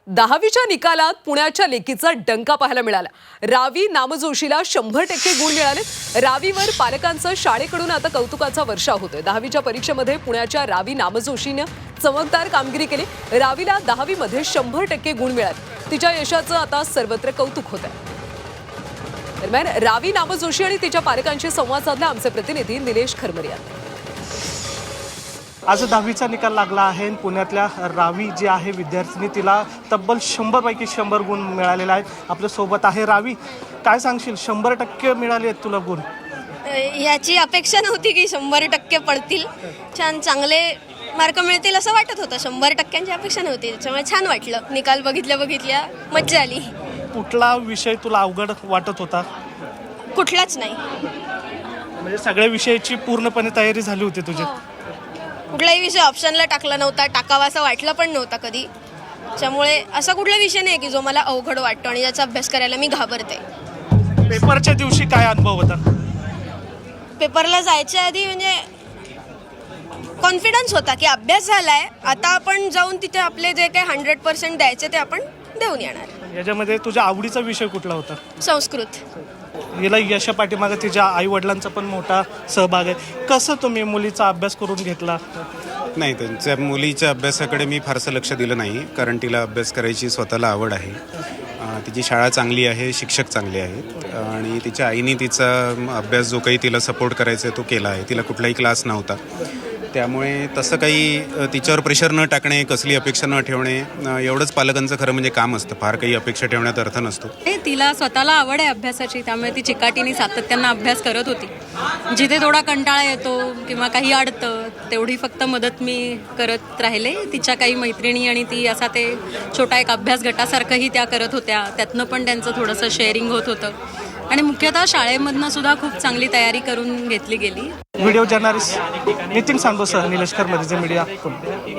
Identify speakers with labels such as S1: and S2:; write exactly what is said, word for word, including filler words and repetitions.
S1: दहावीच्या निकालात पुण्याच्या लेकीचा डंका पाहायला मिळाला। रावी नामजोशीला शंभर टक्के गुण मिळाले। रावीवर पालकांचं शाळेकडून आता कौतुकाचा वर्षाव होतोय। दहावीच्या परीक्षेमध्ये पुण्याच्या रावी नामजोशीने चमकदार कामगिरी केली। रावीला दहावीमध्ये शंभर टक्के गुण मिळाले। तिच्या यशाचं आता सर्वत्र कौतुक होत आहे। दरम्यान रावी नामजोशी आणि तिच्या पालकांशी संवाद साधला आमचे प्रतिनिधी निलेश खरमरिया।
S2: आज दहावीचा निकाल लागला आहे। पुण्यातल्या रावी जी आहे विद्यार्थिनी, तिला तब्बल शंभर पैकी शंभर गुण मिळालेले आहेत। आपल्या सोबत आहे रावी, काय सांगशील, शंभर टक्के मिळाले आहेत तुला गुण?
S3: याची अपेक्षा नव्हती की शंभर टक्के पडतील, छान चांगले मार्क मिळतील असं वाटत होतं। शंभर टक्क्यांची अपेक्षा नव्हती, त्याच्यामुळे छान वाटलं। निकाल बघितल्या बघितल्या मज्जा आली।
S2: कुठला विषय तुला अवघड वाटत होता?
S3: कुठलाच नाही,
S2: म्हणजे सगळ्या विषयाची पूर्णपणे तयारी झाली होती तुझी?
S3: कुठलाही विषय ऑप्शनला टाकला नव्हता, टाकावा असं वाटलं पण नव्हता कधी। त्यामुळे असा कुठला विषय नाही की जो मला अवघड वाटतो आणि ज्याचा अभ्यास करायला मी घाबरते।
S2: पेपरच्या दिवशी काय अनुभव होता?
S3: पेपरला जायच्या आधी म्हणजे कॉन्फिडन्स होता की अभ्यास झालाय, आता आपण जाऊन तिथे आपले जे काही हंड्रेड पर्सेंट द्यायचे ते आपण देऊन येणार।
S2: याच्यामध्ये तुझ्या आवडीचा विषय कुठला होता?
S3: संस्कृत।
S2: हिला यशा पाठीमागे तिच्या आई वडिलांचा पण मोठा सहभाग आहे। कसं तुम्ही मुलीचा अभ्यास करून घेतला?
S4: नाही, त्यांच्या मुलीच्या अभ्यासाकडे मी फारसं लक्ष दिलं नाही, कारण तिला अभ्यास करायची स्वतःला आवड आहे। अ, तिची शाळा चांगली आहे, शिक्षक चांगले आहेत आणि तिच्या आईने तिचा अभ्यास जो काही तिला सपोर्ट करायचा आहे तो केला आहे। तिला कुठलाही क्लास नव्हता, त्यामुळे तसं काही अ, तिच्यावर प्रेशर न टाकणे, कसली अपेक्षा न ठेवणे, अ, एवढंच पालकांचं खरं म्हणजे काम असतं। फार काही अपेक्षा ठेवण्यात अर्थ नसतो।
S5: तिला स्वतःला आवड आहे अभ्यासाची, त्यामुळे ती चिकाटीने सातत्यानं अभ्यास करत होती। जिथे थोडा कंटाळा येतो किंवा काही अडतं तेवढी फक्त मदत मी करत राहिले। तिच्या काही मैत्रिणी आणि ती असा ते छोटा एक अभ्यास गटासारखंही त्या करत होत्या, त्यातनं पण त्यांचं थोडंसं शेअरिंग होत होतं आणि मुख्यतः शाळेमधनं सुद्धा खूप चांगली तयारी करून घेतली गेली।
S2: व्हिडिओ जर्नलिस्ट नितीन सांगोसह निलेश खरमरिया, मीडिया.